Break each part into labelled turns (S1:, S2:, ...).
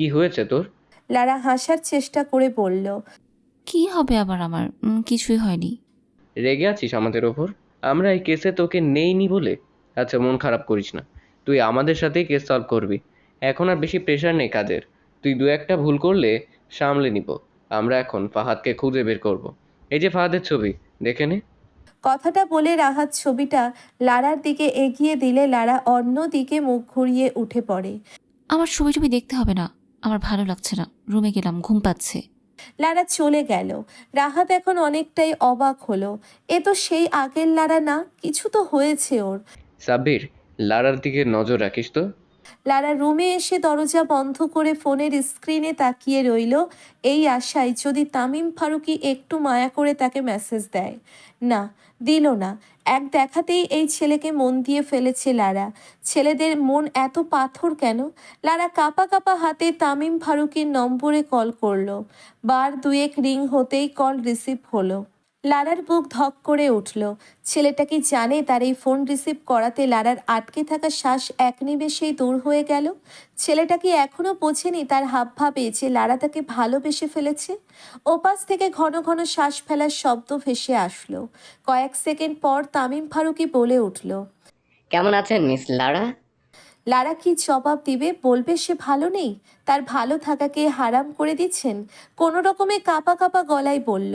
S1: কি হয়েছে তোর?
S2: লারা হাসার চেষ্টা করে বলল,
S3: কি হবে আবার আমার? কিছুই হয়নি।
S1: রেগে আছিস আমাদের ওপর? আমরা এই কেসে তোকে নেইনি বলে? আচ্ছা, মন খারাপ করিস না। তুই আমাদের সাথেই কেস সলভ করবি। এখন আর বেশি প্রেশার নেই কাজের। তুই দু একটা ভুল করলে সামলে নিব। আমরা এখন ফাহাদকে খুঁজে বের করব। এই যে ফাহাদের ছবি, দেখে নে।
S2: কথাটা বলে রাহাত ছবিটা লারার দিকে এগিয়ে দিলে লারা অন্য দিকে মুখ ঘুরিয়ে উঠে পড়ে।
S3: আমার ছবি টবি দেখতে হবে না, আমার ভালো লাগছে না, রুমে গেলাম, ঘুম পাচ্ছে।
S2: লারা চলে গেল। রাহাত এখন অনেকটাই অবাক হলো। এ তো সেই আগের লারা না, কিছু তো হয়েছে ওর।
S1: সাব্বির, লারার দিকে নজর রাখিস তো।
S2: লারা রুমে এসে দরজা বন্ধ করে ফোনের স্ক্রিনে তাকিয়ে রইল, এই আশায় যদি তামিম ফারুকী একটু মায়া করে তাকে মেসেজ দেয়। না, দিল না। এক দেখাতেই এই ছেলেকে মন দিয়ে ফেলেছে লারা। ছেলেদের মন এত পাথর কেন? লারা কাঁপা কাঁপা হাতে তামিম ফারুকীর নম্বরে কল করলো। বার দুয়েক রিং হতেই কল রিসিভ হলো। লারার বুক ধক করে উঠল। ছেলেটা কি জানে তার এই ফোন রিসিভ করাতে লারার আটকে থাকা শ্বাস এক নিমেষেই দূর হয়ে গেল? ছেলেটা কি এখনো বোঝেনি তার হাবভাবে যে লারা তাকে ভালোবেসে ফেলেছে? ওপাশ থেকে ঘন ঘন শ্বাস ফেলার শব্দ ভেসে আসলো। কয়েক সেকেন্ড পর তামিম ফারুকী বলে উঠল।
S4: কেমন আছেন মিস লারা?
S2: লারা কি জবাব দিবে? বলবে সে ভালো নেই? তার ভালো থাকাকে হারাম করে দিচ্ছেন? কোনো রকমে কাঁপা কাঁপা গলায় বলল,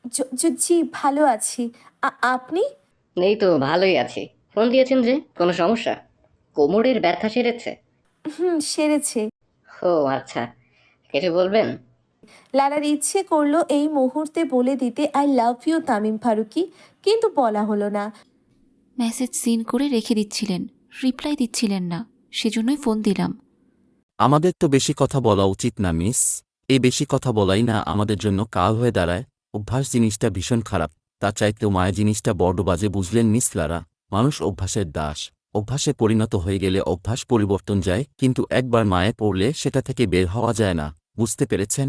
S2: জি ভালো আছি। আপনি?
S4: এই তো ভালোই আছি। ফোন দিয়েছেন যে, কোনো সমস্যা? কোমরের ব্যথা সেরেছে?
S2: হুম, সেরেছে।
S4: ও আচ্ছা, কিছু বলবেন?
S2: লারার ইচ্ছে করলো এই মুহূর্তে বলে দিতে I love you Tamim Farooki, কিন্তু বলা হলো না।
S3: মেসেজ সিন করে রেখে দিচ্ছিলেন, রিপ্লাই দিচ্ছিলেন না, সেজন্যই ফোন দিলাম।
S5: আমাদের তো বেশি কথা বলা উচিত না মিস। এই বেশি কথা বলাই না আমাদের জন্য কাল হয়ে দাঁড়ায়। অভ্যাস জিনিসটা ভীষণ খারাপ। তা চাইতেও মায়া জিনিসটা বড্ড বাজে, বুঝলেন মিস লারা? মানুষ অভ্যাসের দাস। অভ্যাসে পরিণত হয়ে গেলে অভ্যাস পরিবর্তন যায়, কিন্তু একবার মায়ে পড়লে সেটা থেকে বের হওয়া যায় না। বুঝতে পেরেছেন?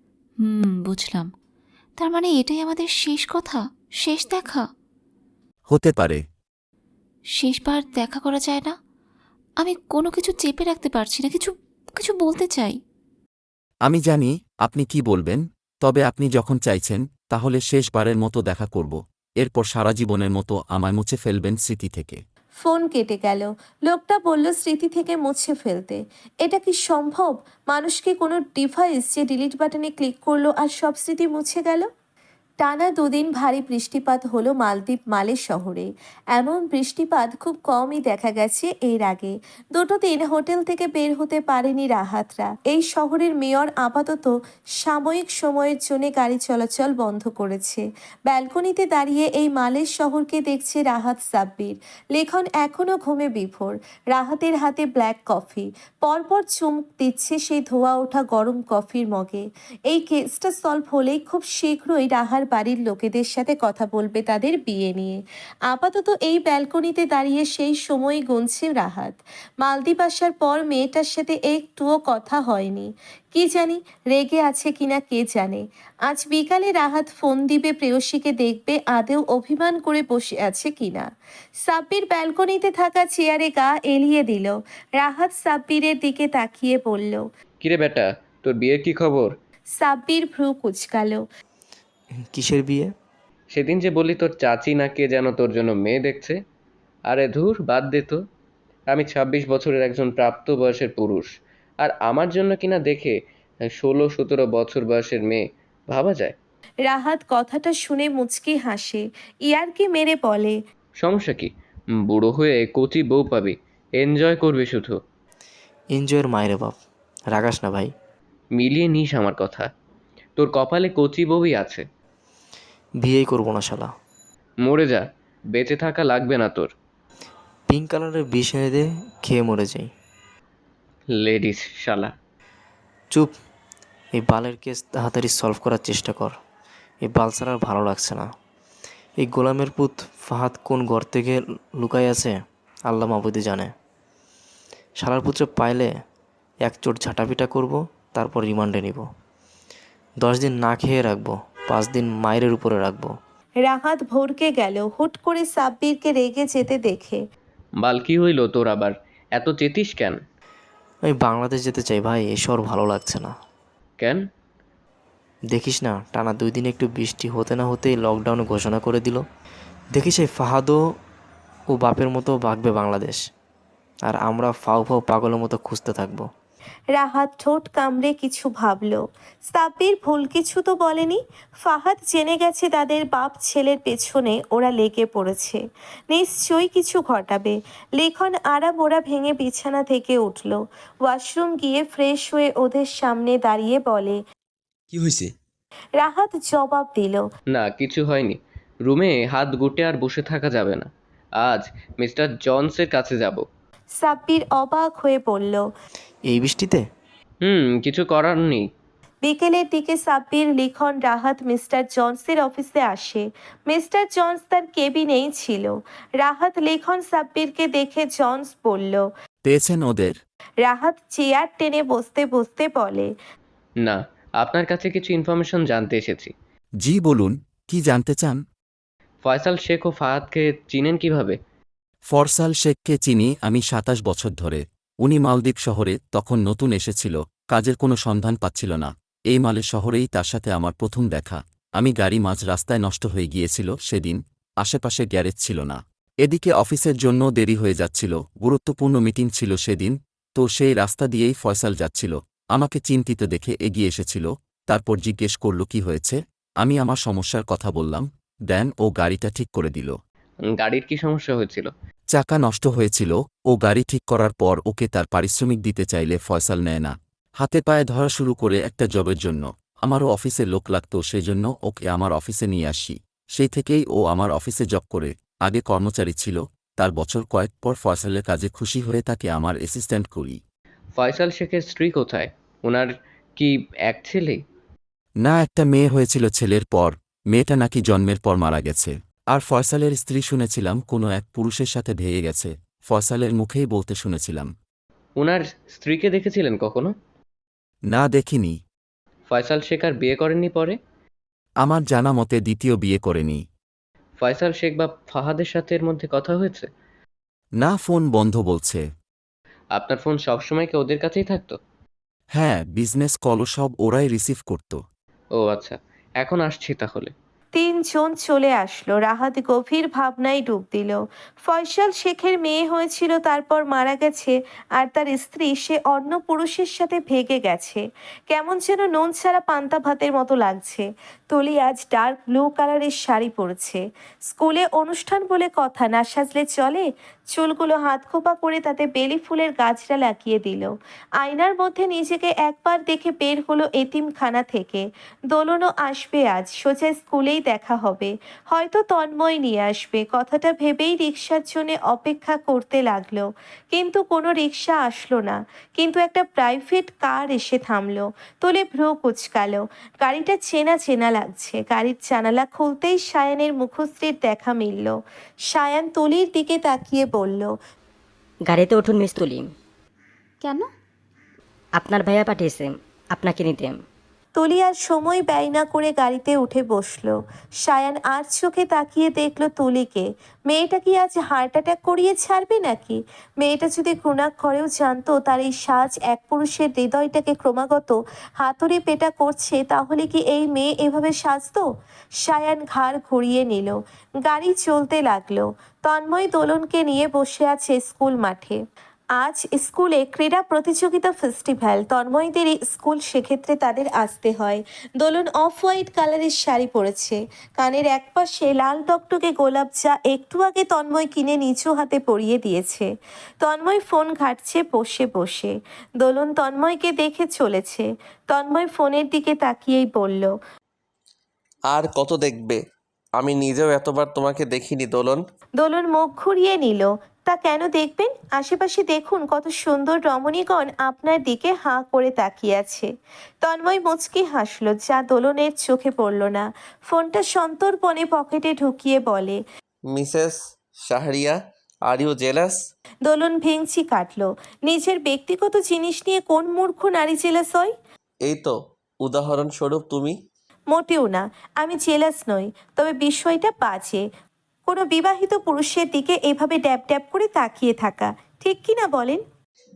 S3: বুঝলাম। তার মানে এটাই আমাদের শেষ কথা, শেষ দেখা?
S5: হতে পারে।
S3: শেষবার দেখা করা যায় না? আমি কোনো কিছু চেপে রাখতে পারছি না, কিছু কিছু বলতে চাই।
S5: আমি জানি আপনি কি বলবেন, তবে আপনি যখন চাইছেন তাহলে শেষবারের মতো দেখা করব। এরপর সারা জীবনের মতো আমায় মুছে ফেলবেন স্মৃতি থেকে।
S2: ফোন কেটে গেল। লোকটা বলল স্মৃতি থেকে মুছে ফেলতে। এটা কি সম্ভব? মানুষ কি কোনো ডিভাইস যে ডিলিট বাটনে ক্লিক করলো আর সব স্মৃতি মুছে গেল? টানা দুদিন ভারী বৃষ্টিপাত হলো মালদ্বীপ মালে শহরে। এমন বৃষ্টিপাত খুব কমই দেখা গেছে এর আগে। দুটো দিন হোটেল থেকে বের হতে পারেনি রাহাতরা। এই শহরের মেয়র আপাতত সাময়িক সময়ের জন্য গাড়ি চলাচল বন্ধ করেছে। ব্যালকনিতে দাঁড়িয়ে এই মালের শহরকে দেখছে রাহাত সাব্বির। লেখন এখনও ঘুমে বিভোর। রাহাতের হাতে ব্ল্যাক কফি। পরপর চুমুক দিচ্ছে সেই ধোয়া ওঠা গরম কফির মগে। এই কেসটা সলভ হলেই খুব শীঘ্রই রাহার বাড়ির লোকেদের সাথে কথা বলবে তাদের বিয়ে নিয়ে। আপাতত এই ব্যালকনিতে দাঁড়িয়ে সেই সময় গুনছে রাহাত। মালদ্বীপ আসার পর মেয়েটার সাথে একটুও কথা হয়নি। কি জানি রেগে আছে কিনা কে জানে। আজ বিকালে রাহাত ফোন দিবে প্রেয়সীকে, দেখবে আদেও অভিমান করে বসে আছে কিনা। সাব্বির ব্যালকনিতে থাকা চেয়ারে গা এলিয়ে দিল। রাহাত সাব্বিরের দিকে তাকিয়ে বলল।
S1: কিরে বেটা, তোর বিয়ের কি খবর?
S2: সাব্বির ভ্রু কুঁচকালো।
S6: কিসের বিয়ে?
S1: সেদিন যে বললি তোর চাচি না কে যেন তোর জন্য মেয়ে দেখছে। আরে ধুর, বাদ দে তো। আমি ২৬ বছরের একজন প্রাপ্তবয়স্কের পুরুষ, আর আমার জন্য কিনা দেখে ১৬-১৭ বছর বয়সের মেয়ে ভাবা যায়?
S2: রাহাত কথাটা শুনে মুচকি হাসে। ইয়ার্কি মেরে বলে,
S1: সমস্যা কি? বুড়ো হয়ে কচি বউ পাবি, এনজয় করবি শুধু।
S6: এনজয়ের মায়ের বাপ। রাগাস না ভাই।
S1: মিলিয়ে নিস আমার কথা। তোর কপালে কচি বউই আছে।
S6: বিয়েই করবো না শালা।
S1: মরে যা, বেঁচে থাকা লাগবে না তোর।
S6: পিঙ্ক কালারের বিষ এনে দে, খেয়ে মরে যাই।
S1: লেডিস শালা।
S6: চুপ। এই বালের কেস তাড়াতাড়ি সলভ করার চেষ্টা কর। এই বাল ছাড়া আর ভালো লাগছে না। এই গোলামের পুত ফাহাদ কোন ঘর থেকে লুকাই আছে আল্লাহ মাবুদি জানে। শালার পুত্র পাইলে এক চোট ঝাঁটাপিটা করব, তারপর রিমান্ডে নিব। 10 দিন না খেয়ে রাখবো, 5 দিন মায়ের উপরে রাখবো।
S2: রাহাত ভরকে গেল হুট করে সাব্বিরকে রেগে যেতে দেখে।
S1: বাল কি হইল তোর আবার? এত চেতিস কেন?
S6: আমি বাংলাদেশ যেতে চাই ভাই, এই শহর ভালো লাগছে না।
S1: কেন?
S6: দেখিস না, টানা 2 দিন একটু বৃষ্টি হতে না হতেই লকডাউন ঘোষণা করে দিল। দেখিস এই ফাহাদও ও বাপের মতো ভাগবে বাংলাদেশ, আর আমরা ফাউ ফাউ পাগলের মতো খুঁজতে থাকবো।
S2: রাহাত ঠোঁট কামড়ে কিছু ভাবল। সাব্বির ভুল কিছু তো বলেনি। ফাহাদ জেনে গেছে তাদের বাপ ছেলের পেছনে ওরা লেগে পড়েছে, নিশ্চয়ই কিছু ঘটাবে। লিখন আড়ামোড়া ভেঙে বিছানা থেকে উঠল, ওয়াশরুম গিয়ে ফ্রেশ হয়ে ওদের সামনে দাঁড়িয়ে বলে।
S7: কি হয়েছে?
S2: রাহাত জবাব দিল।
S1: না, কিছু হয়নি। রুমে হাত গুটে আর বসে থাকা যাবে না। আজ মিস্টার জনসের কাছে যাব।
S2: সাব্বির অবাক হয়ে বলল।
S6: এই বৃষ্টিতে?
S1: কিছু করার নেই।
S2: বিকেলের দিকে সাব্বির, লিখন, রাহাত মিস্টার জনসের অফিসে আসে। মিস্টার জনস তার কেবিনেই ছিল। রাহাত, লিখন, সাব্বিরকে দেখে জনস বলল।
S5: পেয়েছেন ওদের?
S2: রাহাত চেয়ার টেনে বসতে বসতে বলে।
S1: না, আপনার কাছে কিছু ইনফরমেশন জানতে এসেছি।
S5: জি বলুন, কি জানতে চান?
S1: ফয়সাল শেখ ও ফাহাদকে চিনেন কিভাবে?
S5: ফরসাল শেখকে চিনি আমি 27 বছর ধরে। উনি মালদ্বীপ শহরে তখন নতুন এসেছিল, কাজের কোনো সন্ধান পাচ্ছিল না। এই মালে শহরেই তার সাথে আমার প্রথম দেখা। আমি গাড়ি মাঝ রাস্তায় নষ্ট হয়ে গিয়েছিল সেদিন, আশেপাশে গ্যারেজ ছিল না। এদিকে অফিসের জন্য দেরি হয়ে যাচ্ছিল, গুরুত্বপূর্ণ মিটিং ছিল সেদিন, তো সেই রাস্তা দিয়েই ফয়সাল যাচ্ছিল। আমাকে চিন্তিত দেখে এগিয়ে এসেছিল, তারপর জিজ্ঞেস করল কি হয়েছে। আমি আমার সমস্যার কথা বললাম, দেন ও গাড়িটা ঠিক করে দিল।
S1: গাড়ির কি সমস্যা হয়েছিল?
S5: চাকা নষ্ট হয়েছিল, ও গাড়ি ঠিক করার পর ওকে তার পারিশ্রমিক দিতে চাইলে ফয়সাল নেয় না। হাতে পায়ে ধরা শুরু করে একটা জবের জন্য। আমারও অফিসে লোক লাগতো, সেজন্য ওকে আমার অফিসে নিয়ে আসি। সেই থেকেই ও আমার অফিসে জব করে। আগে কর্মচারী ছিল, তার বছর কয়েক পর ফয়সালের কাজে খুশি হয়ে তাকে আমার অ্যাসিস্ট্যান্ট করি।
S1: ফয়সাল শেখের স্ত্রী কোথায়? ওনার কি এক ছেলে?
S5: না, একটা মেয়ে হয়েছিল ছেলের পর, মেয়েটা নাকি জন্মের পর মারা গেছে। আর ফয়সালের স্ত্রী শুনেছিলাম কোনো এক পুরুষের সাথে ভেঙে গেছে, ফয়সালের মুখেই বলতে শুনেছিলাম।
S1: ওনার স্ত্রীকে দেখেছিলেন কখনো?
S5: না, দেখিনি।
S1: ফয়সাল শেখ আর বিয়ে করেননি পরে?
S5: আমার জানা মতে দ্বিতীয় বিয়ে করেনি।
S1: ফয়সাল শেখ বা ফাহাদের সাথে এর মধ্যে কথা হয়েছে?
S5: না, ফোন বন্ধ বলছে।
S1: আপনার ফোন সবসময় কি ওদের কাছেই থাকতো?
S5: হ্যাঁ, বিজনেস কলও সব ওরাই রিসিভ করত।
S1: ও আচ্ছা, এখন আসছি তাহলে।
S2: 3 জন চলে আসলো। রাহাত গভীর ভাবনায় ডুব দিল। ফয়সাল শেখের মেয়ে হয়েছিল, তারপর মারা গেছে, আর তার স্ত্রী সে অন্য পুরুষের সাথে ভেগে গেছে। কেমন যেন নুন ছাড়া পান্তা ভাতের মতো লাগছে। তুলি আজ ডার্ক ব্লু কালারের শাড়ি পরেছে। স্কুলে অনুষ্ঠান বলে কথা, না সাজলে চলে। চুলগুলো হাত খোপা করে তাতে বেলি ফুলের গাছটা লাগিয়ে দিল। আয়নার মধ্যে নিজেকে একবার দেখে বের হলো এতিমখানা থেকে। দোলনও আসবে আজ, সোজা স্কুলেই দেখা হবে। হয়তো তন্ময় নিয়ে আসবে, কথাটা ভেবেই রিক্সার জন্য অপেক্ষা করতে লাগলো। কিন্তু কোনো রিক্সা আসলো না। কিন্তু একটা প্রাইভেট কার এসে থামলো। তোলে ভ্রু কুচকালো। গাড়িটা চেনা চেনা লাগছে। গাড়ির জানালা খুলতেই সায়ানের মুখশ্রীর দেখা মিলল। সায়ান তুলির দিকে তাকিয়ে বলল।
S8: গাড়িতে উঠুন মিস তুলি,
S3: কেন?
S8: আপনার ভাইয়া পাঠিয়েছে আপনাকে নিতে।
S2: তুলি আর সময় ব্যয় না করে গাড়িতে উঠে বসলো। সায়ান আর চোখে তাকিয়ে দেখলো তুলিকে। মেয়েটা কি আজ হার্ট অ্যাটাক করিয়ে ছাড়বে নাকি? মেয়েটা যদি ঘৃণাক্ষরেও জানতো তার এই সাজ এক পুরুষের হৃদয়টাকে ক্রমাগত হাতুড়ি পেটা করছে, তাহলে কি এই মেয়ে এভাবে সাজতো? সায়ান ঘাড় ঘুরিয়ে নিল। গাড়ি চলতে লাগলো। তন্ময় দোলনকে নিয়ে বসে আছে স্কুল মাঠে। আজ স্কুলে ক্রীড়া প্রতিযোগিতা ফেস্টিভ্যাল। তন্ময়দেরই স্কুল, সেক্ষেত্রে তাদের আসতে হয়। দোলন অফ হোয়াইট কালারের শাড়ি পরেছে, কানের একপাশে লাল টকটকে গোলাপ, যা একটু আগে তন্ময় কিনে নিচু হাতে পরিয়ে দিয়েছে। তন্ময় ফোন ঘাঁটছে বসে বসে। দোলন তন্ময়কে দেখে চলেছে। তন্ময় ফোনের দিকে তাকিয়েই বলল।
S9: আর কত দেখবে? আমি নিজেও এতবার তোমাকে দেখিনি দোলন।
S2: দোলন মুখ ঘুরিয়ে নিল। তা কেন দেখবেন? আশেপাশে দেখুন কত সুন্দর রমণীগণ আপনার দিকে হাঁ করে তাকিয়ে আছে। তন্ময় মুচকি হাসলো, যা দোলনের চোখে পড়ল না। ফোনটা সন্তর্পণে পকেটে ঢুকিয়ে বলে।
S9: Mrs Shahriya, are you jealous?
S2: Dolon ভেঙচি কাটলো। নিজের ব্যক্তিগত জিনিস নিয়ে কোন মূর্খ নারী জেলাস হয়?
S9: এই তো উদাহরণস্বরূপ তুমি।
S2: মোটেও না, আমি জেলাস নই। তবে বিষয়টা বাজে, কোনো বিবাহিত পুরুষের দিকে এভাবে ড্যাব ড্যাব করে তাকিয়ে থাকা। ঠিক কি না বলেন?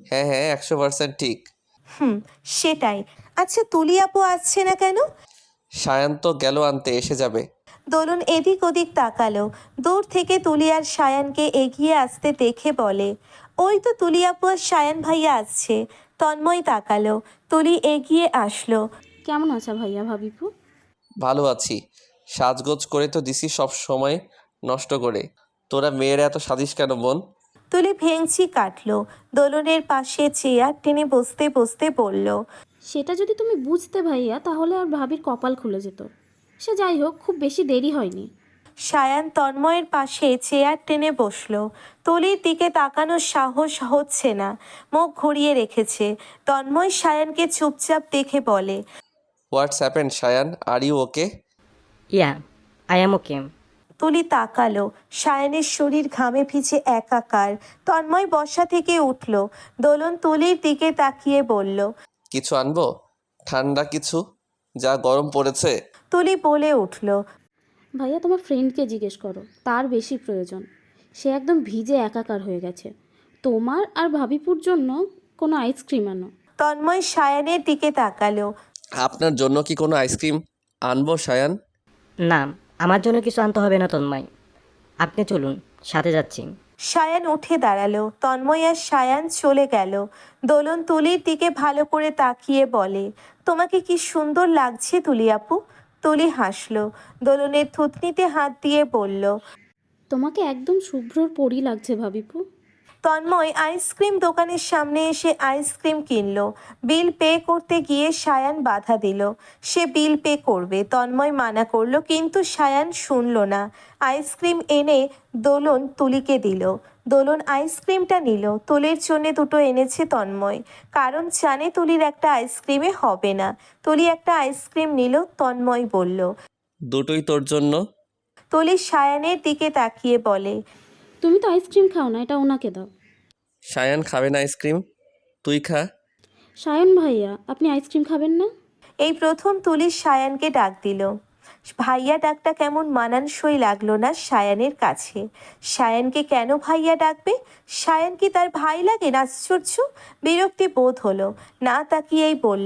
S9: হ্যাঁ হ্যাঁ 100% ঠিক।
S2: হুম, সেটাই। আচ্ছা তুলি আপু আসছে না কেন?
S9: সায়ান তো গেল আনতে, এসে যাবে।
S2: দোলন এদিক ওদিক তাকালো। দূর থেকে তুলি আর সায়ানকে এগিয়ে আসতে দেখে বলে, ওই তো তুলি আপু আর সায়ান ভাইয়া আসছে। তন্ময় তাকালো। তুলি এগিয়ে আসলো।
S7: কেমন আছো ভাইয়া ভাবিপু?
S9: ভালো আছি। সাজগোজ করে তো দিছি সব সময় নষ্ট করে। তোরা মেয়েরা এত সাজিস কেন বোন?
S2: তুলি ভেংচি কাটলো। দোলনের পাশে চেয়ার টেনে বসতে বসতে বলল,
S7: সেটা যদি তুমি বুঝতে ভাইয়া তাহলে আর ভাবির কপাল খুলে যেত। সে যাই হোক, খুব বেশি দেরি হয়নি।
S2: সায়ান তন্ময়ের পাশে চেয়ার টেনে বসলো। তুলির দিকে তাকানোর সাহস হচ্ছে না, মুখ ঘুরিয়ে রেখেছে। তন্ময় সায়ানকে চুপচাপ দেখে বলে,
S9: what's happened Sayan, are you okay?
S8: Yeah, I am okay.
S2: Tuli তাকালো। সায়ানের শরীর ঘামে ভিজে একাকার। তন্ময় বসা থেকে উঠল। দোলন তুলির দিকে তাকিয়ে বলল,
S9: কিছু আনবো? ঠান্ডা কিছু, যা গরম পড়েছে।
S2: তুলি বলে উঠল,
S7: ভাইয়া তোমার ফ্রেন্ডকে জিজ্ঞেস করো, তার বেশি প্রয়োজন। সে একদম ভিজে একাকার হয়ে গেছে। তোমার আর ভাবিপুর জন্য কোনো আইসক্রিম আনো।
S2: তন্ময় সায়ানের দিকে তাকালো।
S9: আপনার জন্য কি কোনো আইসক্রিম আনবো সায়ান?
S8: না, আমার জন্য কিছু আনতে হবে না তন্ময়। আপনি চলুন, সাথে যাচ্ছি।
S2: সায়ান উঠে দাঁড়ালো। তন্ময় আর সায়ান চলে গেল। দোলন তুলির দিকে ভালো করে তাকিয়ে বলে, তোমাকে কি সুন্দর লাগছে তুলি আপু। তুলি হাসলো। দোলনের থুতনিতে হাত দিয়ে বলল,
S7: তোমাকে একদম শুভ্রর পরই লাগছে ভাবিপু।
S2: তন্ময় আইসক্রিম দোকানের সামনে এসে আইসক্রিম কিনলো। বিল পে করতে গিয়ে সায়ান বাধা দিল। সে বিল পে করবে, তন্ময় মানা করলো, কিন্তু সায়ান শুনল না। আইসক্রিম এনে দোলন তুলিকে দিল। দোলন আইসক্রিমটা নিল। তুলির জন্য দুটো এনেছে তন্ময়, কারণ জানে তুলির একটা আইসক্রিমে হবে না। তুলি একটা আইসক্রিম নিল। তন্ময় বলল,
S9: দুটোই তোর জন্য।
S2: তুলি সায়ানের দিকে তাকিয়ে বলে,
S7: তুমি তো আইসক্রিম খাও না, এটা ওনাকে দাও।
S9: সায়ান খাবে না আইসক্রিম, তুই খা।
S7: সায়ন ভাইয়া, আপনি আইসক্রিম খাবেন না?
S2: এই প্রথম তুলি সায়ানকে ডাক দিল। ভাইয়া ডাকটা কেমন মানানসই লাগলো না সায়ানের কাছে। সায়ানকে কেন ভাইয়া ডাকবে? সায়ান কি তার ভাই লাগে? আশ্চর্য! বিরক্তি বোধ হলো। না তাকিয়েই বলল,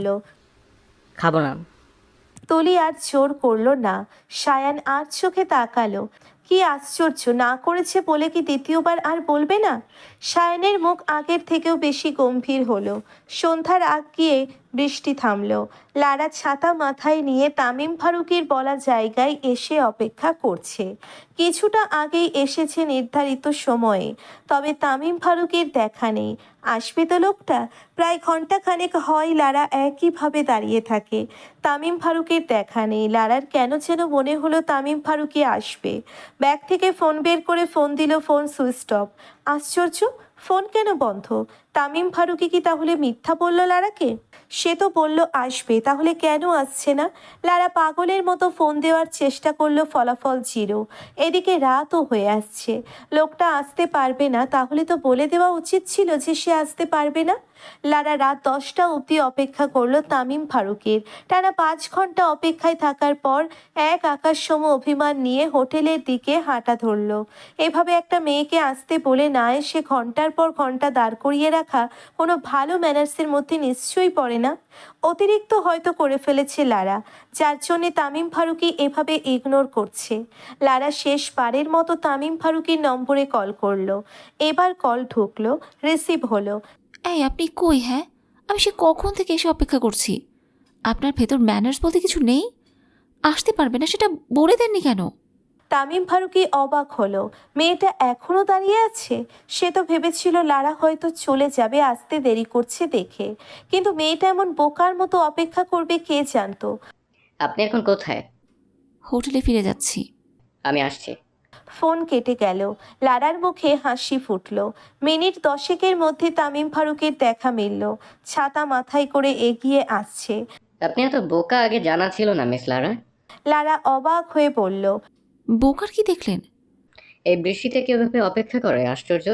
S8: খাবো না।
S2: তুলি আর জোর করলো না। সায়ান আর চোখে তাকালো। কি আশ্চর্য, না করেছে বলে কি দ্বিতীয়বার আর বলবে না? সায়ানের মুখ আগের থেকেও বেশি গম্ভীর হলো। সন্ধ্যার আগ গিয়ে বৃষ্টি থামলো। লারা ছাতা মাথায় নিয়ে তামিম ফারুকের বলা জায়গায় এসে অপেক্ষা করছে। কিছুটা আগেই এসেছে নির্ধারিত সময়ে, তবে তামিম ফারুকের দেখা নেই। আসবে তো লোকটা? প্রায় ঘন্টাখানেক হয় লারা একইভাবে দাঁড়িয়ে থাকে। তামিম ফারুকের দেখা নেই। লারার কেন যেন মনে হলো তামিম ফারুকই আসবে। ব্যাগ থেকে ফোন বের করে ফোন দিল, ফোন সুইচ অফ। আশ্চর্য, ফোন কেন বন্ধ? তামিম ফারুকি কি তাহলে মিথ্যা বলল লারাকে? সে তো বলল আসবে, তাহলে কেন আসছে না? লারা পাগলের মতো ফোন দেওয়ার চেষ্টা করলো, ফলাফল জিরো। এদিকে রাতও হয়ে আসছে। লোকটা আসতে পারবে না, তাহলে তো বলে দেওয়া উচিত ছিল যে সে আসতে পারবে না। লারা রাত 10টা অবধি অপেক্ষা করলো তামিম ফারুকের। টানা 5 ঘন্টা অপেক্ষায় থাকার পর এক আকাশসম অভিমান নিয়ে হোটেলের দিকে হাঁটা ধরলো। এভাবে একটা মেয়েকে আসতে বলে না এসে ঘন্টার পর ঘন্টা দাঁড় করিয়ে রাখা কোনো ভালো ম্যানার্সের মধ্যে নিশ্চয়ই পড়ে না। অতিরিক্ত হয়তো করে ফেলেছে লারা, যার জন্যে তামিম ফারুকি এভাবে ইগনোর করছে। লারা শেষবারের মতো তামিম ফারুকির নম্বরে কল করলো। এবার কল ঢুকলো, রিসিভ হলো।
S3: এই আপনি কই? হ্যাঁ, আমি সে কখন থেকে এসে অপেক্ষা করছি। আপনার ভেতর ম্যানার্স বলতে কিছু নেই? আসতে পারবে না সেটা বলে দেননি কেন?
S2: তামিম ফারুকি অবাক হলো। মেয়েটা এখনো দাঁড়িয়ে আছে। সে তো ভেবেছিল লারা হয়তো চলে যাবে আসতে দেরি করছে দেখে, কিন্তু মেয়েটা এমন বোকার মতো অপেক্ষা করবে কে জানতো।
S4: আপনি এখন কোথায়?
S3: হোটেলে ফিরে যাচ্ছি।
S4: আমি আসছি।
S2: ফোন কেটে গেল। লারার মুখে হাসি ফুটলো। মিনিট 10-এর মধ্যে তামিম ফারুকের দেখা মিলল। ছাতা মাথায় করে এগিয়ে আসছে।
S4: আপনি এত বোকা আগে জানা ছিল না মিস লারা।
S2: লারা অবাক হয়ে বলল,
S3: বোকার কি দেখলেন?
S4: এই বৃষ্টিতে কেউ এভাবে অপেক্ষা করে? আশ্চর্য।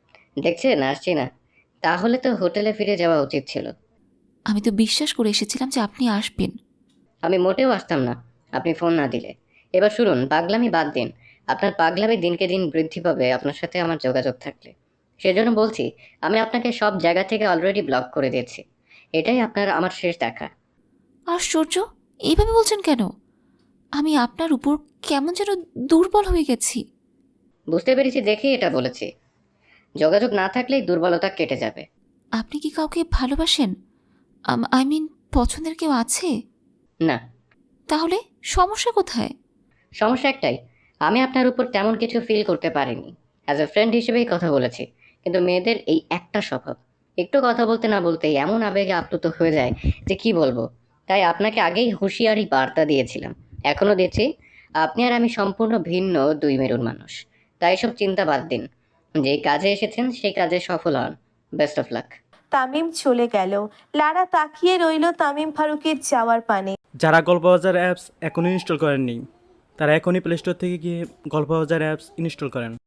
S4: দেখছেন আসছি না, তাহলে তো হোটেলে ফিরে যাওয়া উচিত ছিল।
S3: আমি তো বিশ্বাস করে এসেছিলাম যে আপনি আসবেন।
S4: আমি মোটেও আসতাম না আপনি ফোন না দিলে। এবার শুনুন, পাগলামি বাদ দিন। আপনার পাগলামি দিনকে দিন বৃদ্ধি পাবে আপনার সাথে আমার যোগাযোগ থাকলে। সেজন্য বলছি, আমি আপনাকে সব জায়গা থেকে অলরেডি ব্লক করে দিয়েছি। এটাই আপনার আমার শেষ দেখা।
S3: আশ্চর্য, এইভাবে বলছেন কেন? আমি আপনার উপর কেমন যেন দুর্বল হয়ে গেছি।
S4: বুঝতে পেরেছি দেখেই এটা বলেছি। যোগাযোগ না থাকলেই দুর্বলতা কেটে যাবে।
S3: আপনি কি কাউকে ভালোবাসেন? আই মিন, পছন্দের কেউ আছে?
S4: না,
S3: তাহলে সমস্যা কোথায়?
S4: সমস্যা একটাই, আমি আপনার উপর তেমন কিছু ফিল করতে পারিনি। অ্যাজ এ ফ্রেন্ড হিসেবেই কথা বলেছি, কিন্তু মেয়েদের এই একটা স্বভাব, একটু কথা বলতে না বলতেই এমন আবেগে আপ্লুত হয়ে যায় যে কি বলবো। তাই আপনাকে আগেই হুঁশিয়ারি বার্তা দিয়েছিলাম, এখনও দিচ্ছি। আপনি আর আমি সম্পূর্ণ ভিন্ন দুই মেরুর মানুষ। তাই সব চিন্তা বাদ দিন, যেই কাজে এসেছেন সেই কাজে সফল হন। Best of luck.
S2: তামিম চলে গেল। লারা তাকিয়ে রইল তামিম ফারুকের যাওয়ার পানে।
S10: যারা গল্পবাজার অ্যাপস এখনও ইনস্টল করেননি তারা এখনই প্লে স্টোর থেকে গিয়ে গল্পবাজার অ্যাপস ইনস্টল করেন।